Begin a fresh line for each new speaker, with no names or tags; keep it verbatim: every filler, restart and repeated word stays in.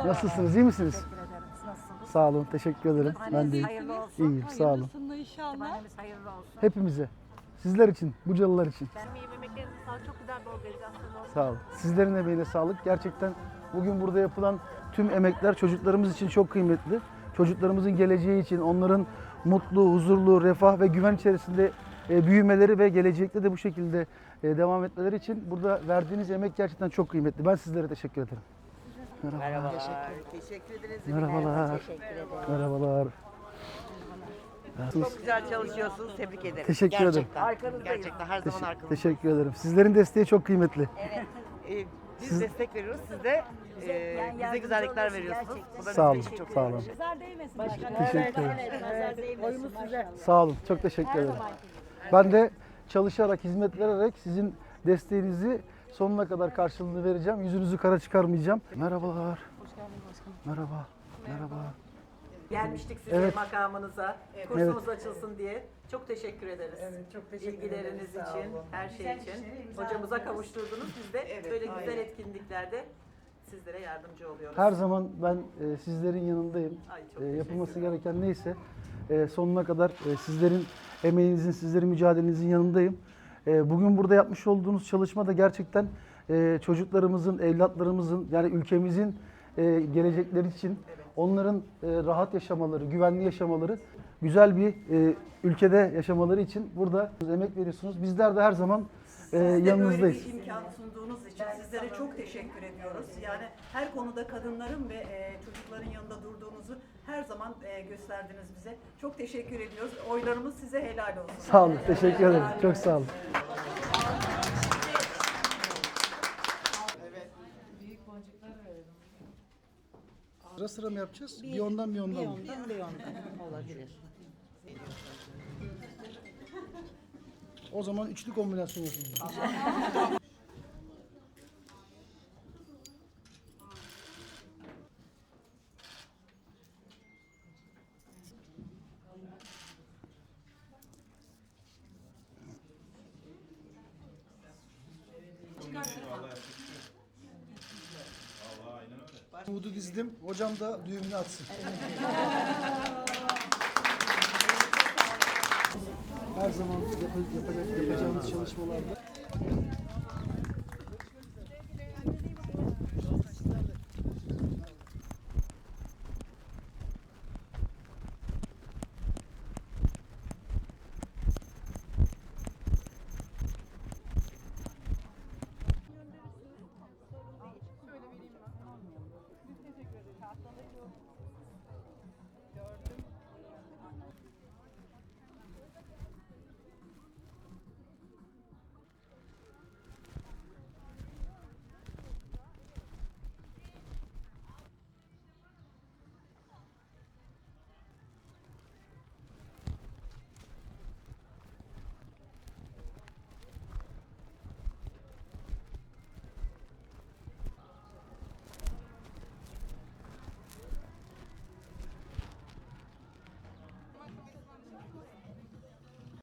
Nasılsınız? İyi misiniz?
Teşekkür ederim. Siz nasılsınız?
Sağ olun. Teşekkür ederim. Ben de iyiyim.
Hayırlı olsun.
İyiyim. Sağ olun.
Hayırlısını inşallah.
Kütüphanemiz hayırlı olsun.
Hepimize. Sizler için, Bucalılar için.
Ben iyi yemeklerinizi sağlık. Çok güzel bir organizasyon oldu.
Sağ olun. Sizlerin emeğine sağlık. Gerçekten bugün burada yapılan tüm emekler çocuklarımız için çok kıymetli. Çocuklarımızın geleceği için, onların mutlu, huzurlu, refah ve güven içerisinde e, büyümeleri ve gelecekte de bu şekilde e, devam etmeleri için burada verdiğiniz emek gerçekten çok kıymetli. Ben sizlere teşekkür ederim. Merhabalar.
Teşekkür ederiz.
Merhabalar. Merhabalar.
Çok güzel çalışıyorsunuz. Tebrik ederim.
Teşekkür ederim.
Gerçekten. Arkanızdayız. Gerçekten her zaman
Teşekkür,
arkanızdayız.
teşekkür ederim. Sizlerin desteği çok kıymetli.
Ee, biz destek veriyoruz. Siz de e, bize güzellikler veriyorsunuz. Bu da
Sağ olun.
bizim için çok
Sağ olun.
Nazar değmesin.
Teşekkür ederim.
Nazar değmesin.
Oyumuz size.
Sağ olun. Çok teşekkür ederim. Ben de çalışarak, hizmet vererek sizin desteğinizi sonuna kadar karşılığını vereceğim. Yüzünüzü kara çıkarmayacağım. Merhabalar.
Hoş geldin başkanım.
Merhaba. Merhaba.
Gelmiştik sizin
Evet.
makamınıza. Kursumuz açılsın diye. Çok teşekkür ederiz.
Evet, çok teşekkür
İlgileriniz
ederiz. Sağ
için,
olun.
her şey için. Hocamıza kavuşturdunuz. Biz de
Evet,
böyle güzel
aynen.
etkinliklerde sizlere yardımcı oluyoruz.
Her zaman ben e, sizlerin yanındayım.
Ay, çok
E, yapılması
teşekkür
gereken neyse e, sonuna kadar e, sizlerin emeğinizin, sizlerin mücadelenizin yanındayım. E, bugün burada yapmış olduğunuz çalışma da gerçekten e, çocuklarımızın, evlatlarımızın yani ülkemizin e, gelecekleri için onların e, rahat yaşamaları, güvenli yaşamaları, güzel bir e, ülkede yaşamaları için burada emek veriyorsunuz. Bizler de her zaman e, yanınızdayız.
Böyle bir imkan sunduğunuz için sizlere çok teşekkür ediyoruz. Yani her konuda kadınların ve e, çocukların yanında durduğunuzu her zaman e, gösterdiniz bize. Çok teşekkür ediyoruz. Oylarımız size helal olsun.
Sağ olun, teşekkür ederim. Çok sağ olun. Sıra sıra mı yapacağız? Bir ondan bir ondan mı?
Ondan bir ondan olabilir.
O zaman üçlü kombinasyon yapayım. Umudu dizdim. Hocam da düğümünü atsın. Her zaman yap- yapacak, yapacağımız çalışmalarda